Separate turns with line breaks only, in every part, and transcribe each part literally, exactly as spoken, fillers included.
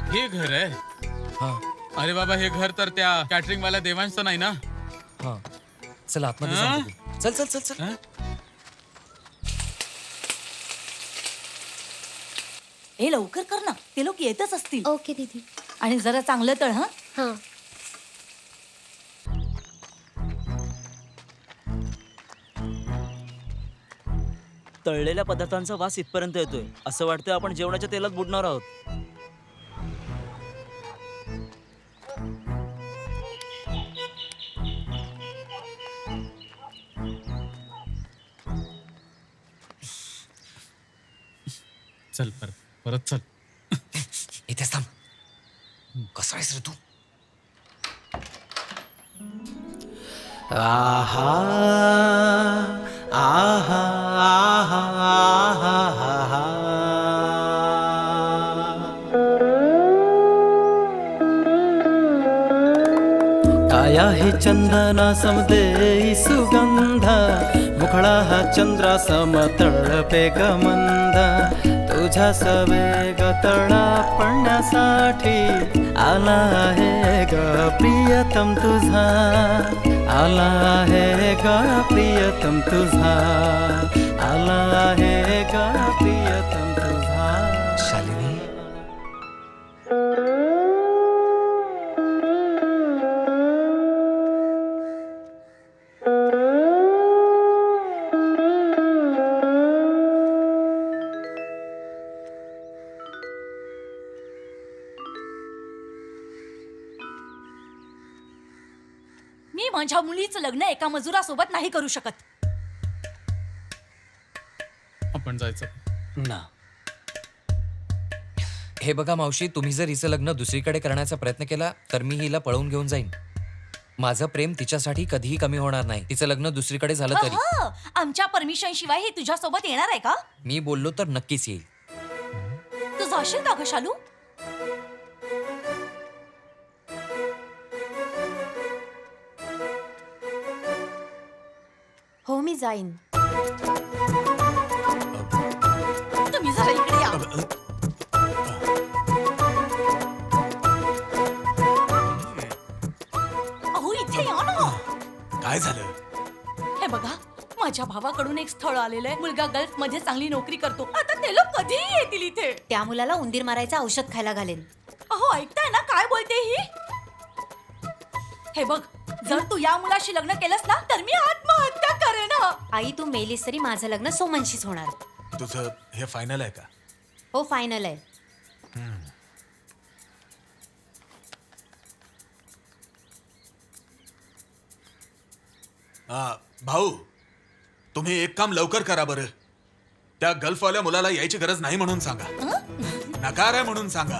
हे घर आहे.
हा
अरे बाबा, हे घर तर त्या कॅटरिंग वाल्या देवांचं नाही ना?
हा चल आतमध्ये जाऊन बघू. चल चल चल चल
हं?
हे लवकर कर ना, ते लोक येतच असतील.
ओके दीदी.
आणि जरा चांगलं तळ हा.
हां.
तळलेल्या पदार्थांचा वास इथपर्यंत येतोय. असं वाटतंय आपण जेवणाच्या तेलात बुडणार आहोत.
चल परत परत चल.
इथेच थांब. कसा आहेस रे तू?
आहा आहा आहा आहा काया हे चंदना समदेई सुगंधा मुखडा हा चंद्रा समतळपे गमंद तुझ्या सवेग तळा पडण्यासाठी आला आहे ग प्रियतम तुझा आला आहे ग प्रियतम तुझा आला आहे ग प्रियतम तुझा.
शालिनी
मी माझ्या मुलीचं लग्न एका मजुरासोबत नाही करू शकत.
आपण जायचं.
ना
हे बघा मावशी, तुम्ही जर हिचं लग्न दुसरीकडे करण्याचा प्रयत्न केला तर मी हिला पळवून घेऊन जाईन. माझं प्रेम तिच्यासाठी कधीही कमी होणार नाही, तिचं लग्न दुसरीकडे झालं तरी.
अहं, आमच्या परमिशन शिवाय हे तुझ्या सोबत येणार आहे का?
मी बोललो तर नक्कीच येईल.
तू जाशील का ग शालू?
हो मी जाईन.
तुम्ही जरा इकडे या. अहो इथे या ना.
काय झालं?
हे बघा, माझ्या भावाकडून एक स्थळ आलेलं आहे. मुलगा गल्फ मध्ये चांगली नोकरी करतो. आता ते लोक कधीही येतील इथे.
त्या मुलाला उंदीर मारायचं औषध खायला घालेन.
अहो ऐकताय ना काय बोलते ही? हे बघ, जर तू या मुलाशी लग्न केलंस ना तर मी आत्महत्या करेन.
आई तू मेलीस तरी माझं लग्न सोमनशीच होणार.
तुझं हे फायनल आहे का?
हो फायनल आहे.
आ, भाऊ तुम्ही एक काम लवकर करा बरं. त्या गल्फवाल्या मुलाला यायची गरज नाही म्हणून सांगा. नकार आहे म्हणून सांगा.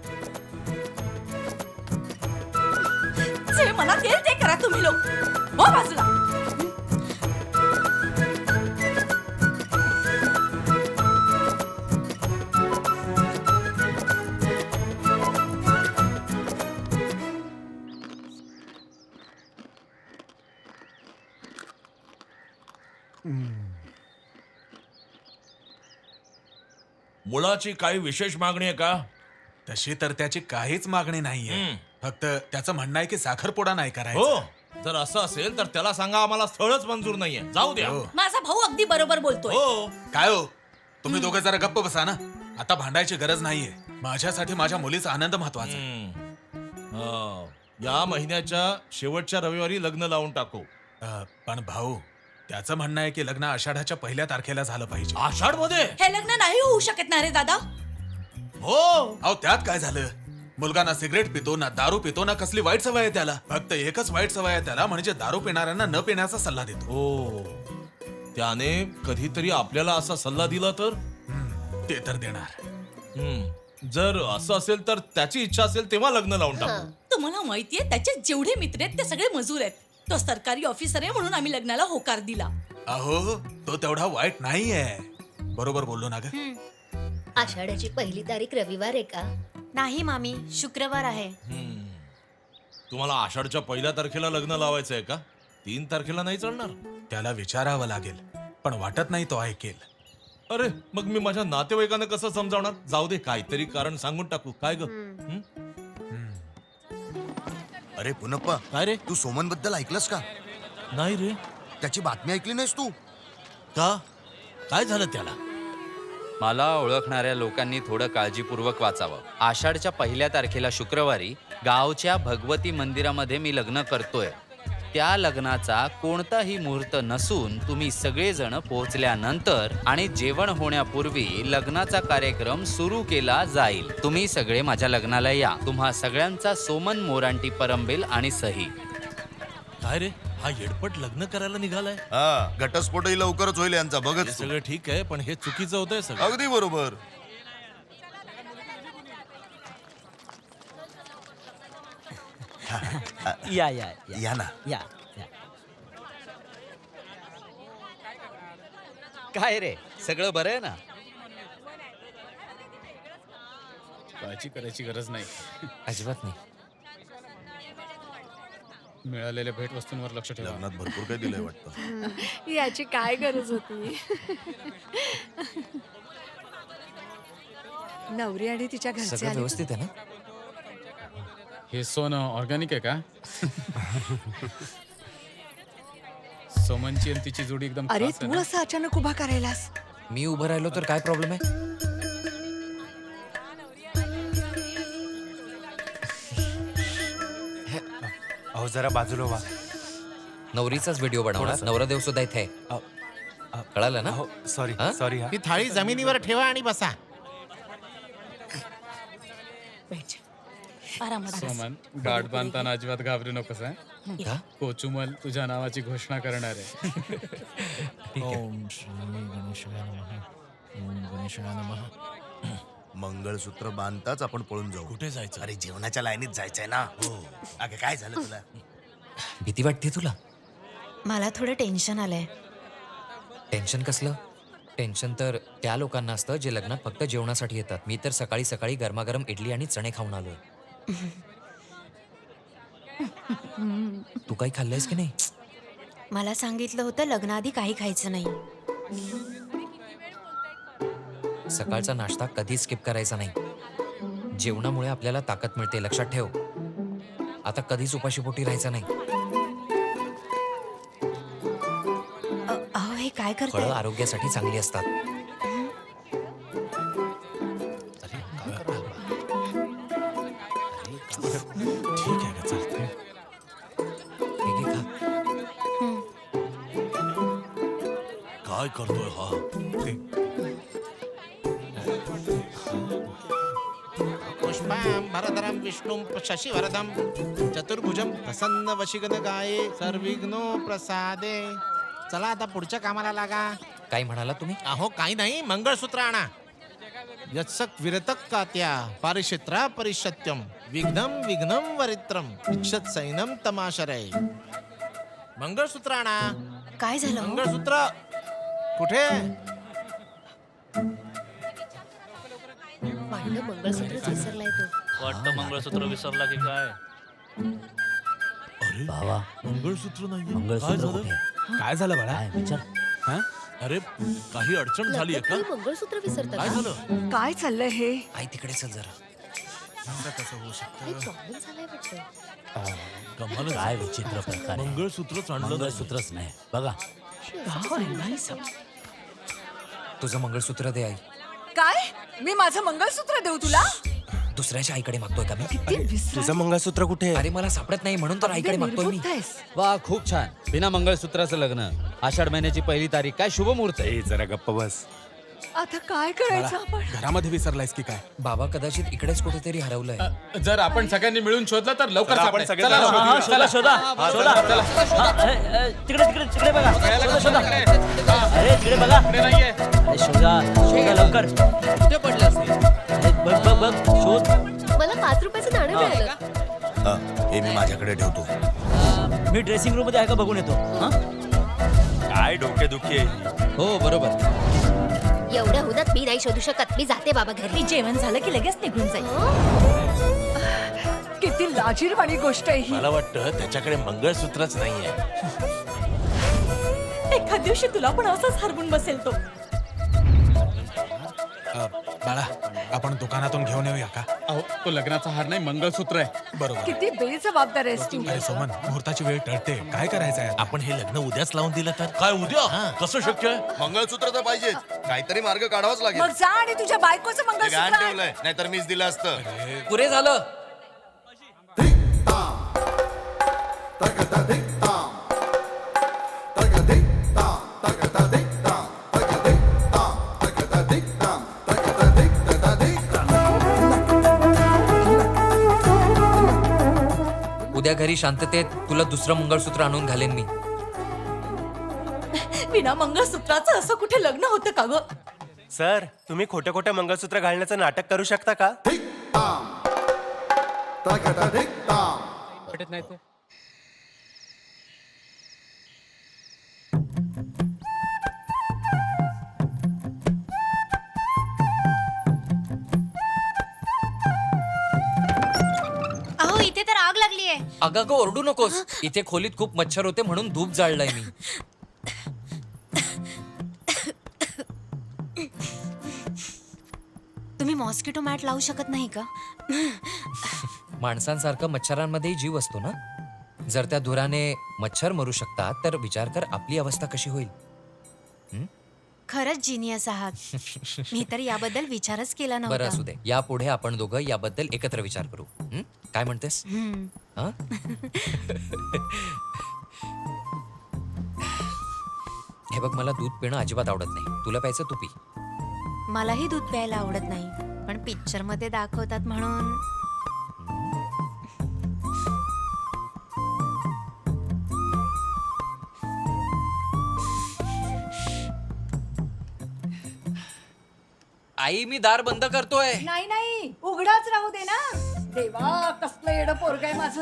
जे मला तेल ते करा तुम्ही लोक. हो बाजूला.
मुलाची काही विशेष मागणी आहे का?
तशी तर त्याची काहीच मागणी नाहीये.
हम्म.
फक्त त्याचं म्हणणं आहे की साखरपुडा नाही करायचा.
हो, जर असं असेल तर त्याला सांगा आम्हाला स्थळच मंजूर नाहीये, जाऊ द्या.
हो.
माझा भाऊ अगदी बरोबर बोलतोय.
हो,
काय हो तुम्ही दोघं जरा गप्प बसा ना. आता भांडायची गरज नाहीये. माझ्यासाठी माझ्या मुलीचा आनंद महत्वाचा आहे.
हम्म. हा, या महिन्याच्या शेवटच्या रविवारी लग्न लावून टाकू.
अ, पण भाऊ त्याचं म्हणणं आहे की लग्न आषाढाच्या पहिल्या तारखेला झालं पाहिजे.
आषाढ मध्ये?
हे लग्न नाही होऊ शकत ना रे दादा.
हो,
अहो त्यात काय झालं? मुलगा ना सिगरेट पितो ना दारू पितो ना कसली वाईट सवय आहे त्याला. फक्त एकच वाईट सवय आहे त्याला, म्हणजे दारू पिणाऱ्यांना न पिण्याचा सल्ला देतो.
हो, त्याने कधीतरी आपल्याला असा सल्ला दिला तर?
हम्म, ते तर देणार.
हम्म. जर असं असेल तर त्याची इच्छा असेल तेव्हा लग्न लावून टाकू.
तुम्हाला माहितीये त्याचे जेवढे मित्र आहेत ते सगळे मजूर आहेत. तो सरकारी ऑफिसर आहे म्हणून आम्ही लग्नाला होकार दिला.
अहो तो तेवढा वाईट नाहीये. बरोबर बोललो ना ग?
आषाढाची पहिली तारीख रविवार आहे का?
नाही मामी, शुक्रवार आहे.
हम्म. तुम्हाला आषाढच्या पहिल्या तारखेला लग्न लावायचं आहे का? तीन तारखेला नाही चालणार?
त्याला विचारावं लागेल, पण वाटत नाही तो ऐकेल.
अरे मग मी माझ्या नातेवाईकांना कसं समजावणार? जाऊ दे, काहीतरी कारण सांगून टाकू. काय ग? हं?
अरे पुनप्पा,
काय रे?
तू सोमन बद्दल ऐकलंस का?
नाही रे.
त्याची बातमी ऐकली नाहीस तू?
का? काय झालं त्याला?
मला ओळखणाऱ्या लोकांनी थोडं काळजीपूर्वक वाचावं. आषाढच्या पहिल्या तारखेला शुक्रवारी गावच्या भगवती मंदिरामध्ये मी लग्न करतोय. त्या लग्नाचा कोणताही मुहूर्त नसून तुम्ही सगळेजण पोहोचल्यानंतर आणि जेवण होण्यापूर्वी लग्नाचा कार्यक्रम सुरू केला जाईल. तुम्ही सगळे माझ्या लग्नाला या. तुम्हा सगळ्यांचा सोमन मोरांटी परंबेल आणि सही.
काय रे, हा येडपट लग्न करायला निघालाय?
हा, घटस्फोटही लवकरच होईल यांचा,
हे
बघत तू.
सगळं ठीक आहे, पण हे चुकीचं होतंय सगळं.
अगदी बरोबर.
या या
या ना.
या या.
काय रे, सगळं बरं आहे ना?
काळजी करायची गरज नाही.
अजिबात नाही.
मिळालेल्या भेटवस्तूंवर लक्ष ठेवा.
लग्नात भरपूर काही दिलंय वाटतं.
याची काय गरज होती? नवरी आणि तिच्या घरचे
सगळं
आले
व्यवस्थित आहे ना?
हे सोनं ऑर्गॅनिक आहे का? सोमनची आणि तिची जोडी एकदम
अरे
खास आहे
तू
ना?
असं अचानक उभा करायलास?
मी उभं राहिलो तर काय प्रॉब्लेम आहे?
अहो जरा बाजूला व्हा.
नवरीचाच व्हिडिओ बनवणार. नवरादेव सुद्धा इथे आहे. कळालं ना?
सॉरी
हा?
सॉरी. हा
ती थाळी जमिनीवर ठेवा आणि बसा.
सोमन, गाठ बांधताना अजिबात घाबरू नकोस हं?
का?
कोचुमल तुझ्या नावाची घोषणा करणार आहे.
ओम श्री गणेशाय नमः. ओम गणेशाय नमः.
मंगळसूत्र बांधताच आपण पळून जाऊ.
कुठे जायचं?
अरे जेवणाच्या लाईनीत जायचंय ना. हो. अगं काय झालं तुला?
भीती वाटते तुला?
मला थोडं टेन्शन आलंय.
टेन्शन कसलं? टेन्शन तर त्या लोकांना असतं जे लग्नात फक्त जेवणासाठी येतात. मी तर सकाळी सकाळी गरमागरम इडली आणि चणे खाऊन आलोय. तू काही खाल्लंयस की नाही?
मला सांगितलं होतं लग्नाआधी काही खायचं नाही.
सकाळचा नाश्ता कधी स्किप करायचा नाही. जेवणामुळे आपल्याला ताकद मिळते, लक्षात ठेव. आता कधीच उपाशीपोटी राहायचं नाही.
अ- अहो हे काय
फळं
करताय?
आरोग्यासाठी चांगली असतात.
ठीक आहे का, चालतंय.
हे घे, खा.
काय करतोय हा?
पुष्पां भरधरं विष्णुं शशिवरदं चतुर्भुजं प्रसन्न वशिगन गाये सर्विघ्नो प्रसादे. चला आता पुढच्या कामाला लागा.
काय म्हणाला तुम्ही?
अहो काही नाही, मंगळसूत्र आणा. यत्सक विरतक कात्या पारिक्षेत्रा परिषत्यम विघ्नम विघ्नम वरित्रम इच्छत सैनम तमाशरय. मंगळसूत्र आणा.
काय झालं?
मंगळसूत्र कुठे?
वाटतं मंगळसूत्रच विसरलाय तो.
वाटतं मंगळसूत्र विसरला की काय?
अरे
भावा,
मंगळसूत्र नाही. काय
मंगळसूत्र
झालं?
कुठे?
काय झालं बाळा?
काय विचार?
हा?
अरे काही अडचण झाली आहे
लग्नात
का?
काही मंगळसूत्र विसरतात
काय
का?
झालं?
काय चाललंय हे?
आई तिकडे चल जरा.
काही प्रॉब्लेम झालाय वाटतं.
कमालच.
काय विचित्र प्रकार आहे.
मंगळसूत्रच आणलं नाही.
मंगळसूत्रच नाही बघा.
तुझं मंगळसूत्र दे आई.
काय? मी माझं मंगळसूत्र देऊ तुला?
दुसऱ्याच्या आईकडे मागतोय का मी?
किती विसर-
तुझं मंगळसूत्र कुठे आहे?
अरे मला सापडत नाही म्हणून तर आईकडे मागतोय मी.
निर्बुद्ध आहेस.
वा, खूप छान. बिना मंगळसूत्राचं लग्न, आषाढ महिन्याची पहिली तारीख. काय शुभ मुहूर्त आहे.
ए, जरा गप्प बस.
आता काय करायचं आपण?
घरामध्ये विसरलायस की काय?
बाबा कदाचित इकडेच कुठेतरी हरवलंय.
अ, जर आपण सगळ्यांनी मिळून शोधलं तर लवकर
चला, आपण
सापडेल.
सगळे
चला,
जण
शोधूया.
शोधूया.
शोधा शोधा
हा,
शोधा.
चला, चला.
हा, ए, ए, तिकडे तिकडे तिकडे बघा.
बघायला
शोधा
का
शोधा.
तिकडे? हा,
अरे तिकडे बघा.
तिकडे नाहीये.
अरे शोधा शोधा लवकर.
कुठे पडलं असेल?
अरे बघ बघ बघ शोध.
मला पाच रुपयाचं नाणं मिळालं.
हा, हे मी माझ्याकडे ठेवतो.
अ, मी ड्रेसिंग रूम मध्ये आहे का बघून येतो. हा?
काय डोकेदुखी आहे?
हो बरोबर.
एवढ्या हुदात मी नाही शोधू शकत. मी जाते बाबा घरी.
मी जेवण झालं की लगेच निघून जाईल.
किती लाजीरवाणी गोष्ट आहे ही.
मला वाटतं त्याच्याकडे मंगळसूत्रच नाहीये.
एखाद दिवशी तुला पण असंच हरवून बसेल तो.
बाळा आपण दुकानातून घेऊन येऊया का?
अहो तो लग्नाचा हार नाही मंगळसूत्र आहे.
बरोबर.
किती बेजबाबदार आहेस तू.
अरे सोमन, मुहूर्ताची वेळ टळते, काय करायचं आहे?
आपण हे लग्न उद्याच लावून दिलं तर
काय उद्या कसं शक्य आहे?
मंगळसूत्र तर पाहिजेच, काहीतरी मार्ग काढावाच लागेल.
मग जा आणि तुझ्या बायकोचं
ते
मंगळसूत्र
गहाण
आण.
ठेवलंय, नाहीतर मीच दिलं असतं.
पुरे झालं. उद्या घरी शांततेत तुला दुसरं मंगळसूत्र आणून घालेन मी.
विना मंगळसूत्राचं असं कुठे लग्न होतं का ग?
सर तुम्ही खोटं खोटं मंगळसूत्र घालण्याचं नाटक करू शकता का?
पटत नाही ते.
अहो इथे तर आग लागली आहे.
अगं अगं ओरडू नकोस. इथे खोलीत खूप मच्छर होते म्हणून धूप जाळलाय मी.
तुम्ही मॉस्किटो मॅट लावू शकत नाही का?
माणसांसारखं मच्छरांमध्येही जीव असतो ना. जर त्या धुराने मच्छर मरू शकतात तर विचार कर आपली अवस्था कशी होईल.
खरंच जिनियस आहात. मी तर याबद्दल विचारच केला
बरं
नव्हता.
असू दे. यापुढे आपण दोघं याबद्दल एकत्र विचार करू. हं? काय म्हणतेस?
हम्म.
हं? हे बघ मला दूध पिणं अजिबात आवडत नाही. तुला प्यायचं तू पी.
मलाही दूध प्यायला आवडत नाही, पण पिक्चर मध्ये दाखवतात म्हणून.
आई मी दार बंद करतोय.
नाही नाही उघडाच राहू दे ना. देवा कसलं येडं पोरग आहे माझं.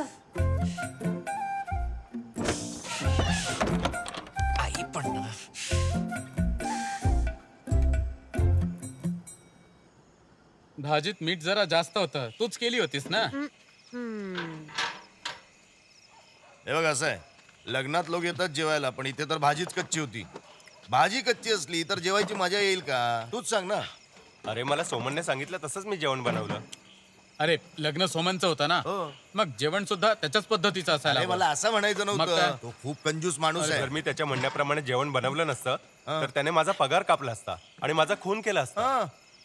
आई पण ना.
भाजीत मीठ जरा जास्त होतं, तूच केली होतीस ना?
हे बघ असं आहे, लग्नात लोक येतात जेवायला, पण इथे तर भाजीच कच्ची होती. भाजी कच्ची असली तर जेवायची मजा येईल का? तूच सांग ना.
अरे मला सोमनने सांगितलं तसंच मी जेवण बनवलं.
अरे लग्न सोमनचं होतं ना,
हो.
मग जेवण सुद्धा त्याच्याच पद्धतीचं असायला
अरे
हवं.
मला असं म्हणायचं
मग काय?
नव्हतं. तो खूप कंजूस माणूस आहे.
जर मी त्याच्या म्हणण्याप्रमाणे जेवण बनवलं नसतं तर त्याने माझा पगार कापला असता आणि माझा खून केला असता.
हा.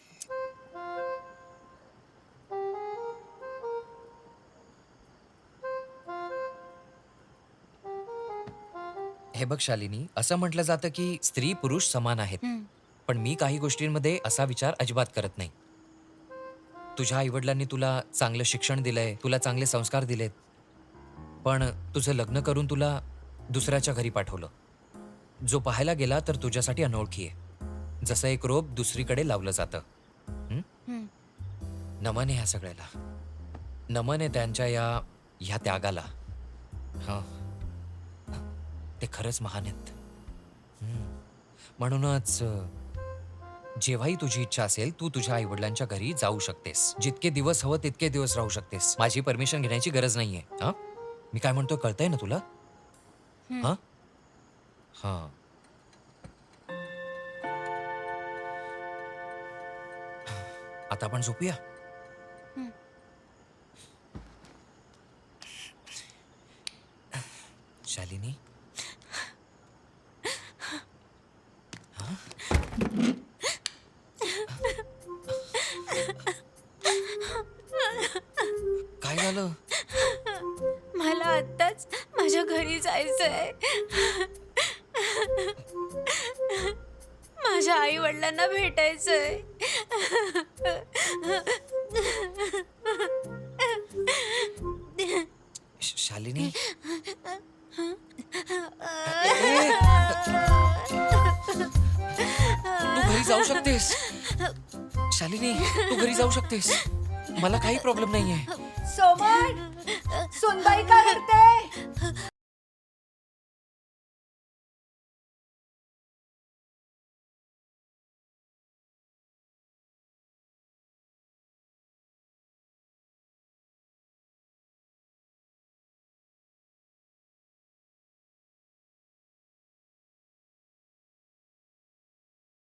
हे बघ शालिनी, असं म्हटलं जातं की स्त्री पुरुष समान आहेत. पण मी काही गोष्टींमध्ये असा विचार अजिबात करत नाही. तुझ्या आईवडिलांनी तुला चांगलं शिक्षण दिलंय, तुला चांगले संस्कार दिलेत, पण तुझं लग्न करून तुला दुसऱ्याच्या घरी पाठवलं. जो पाहायला गेला तर तुझ्यासाठी अनोळखी आहे. जसं एक रोप दुसरीकडे लावलं जातं. हं? नमन आहे ह्या सगळ्याला. नमन आहे त्यांच्या या ह्या त्यागाला. हा, ते खरंच महान आहेत. हं. म्हणूनच जेव्हाही तुझी इच्छा असेल तू तुझ्या आई वडिलांच्या घरी जाऊ शकतेस. जितके दिवस हवं तितके दिवस राहू शकतेस. माझी परमिशन घेण्याची गरज नाहीये. हा, मी काय म्हणतो कळतंय ना तुला? हा हा आता आपण झोपूया. शालिनी, काय झालं?
मला आत्ताच माझ्या घरी जायचंय. माझ्या आई वडिलांना भेटायचंय.
शालिनी, तू घरी जाऊ शकतेस. शालिनी, तू घरी जाऊ शकतेस. मला काही प्रॉब्लेम नाहीये.
सोमन, सुनबाई काय करते?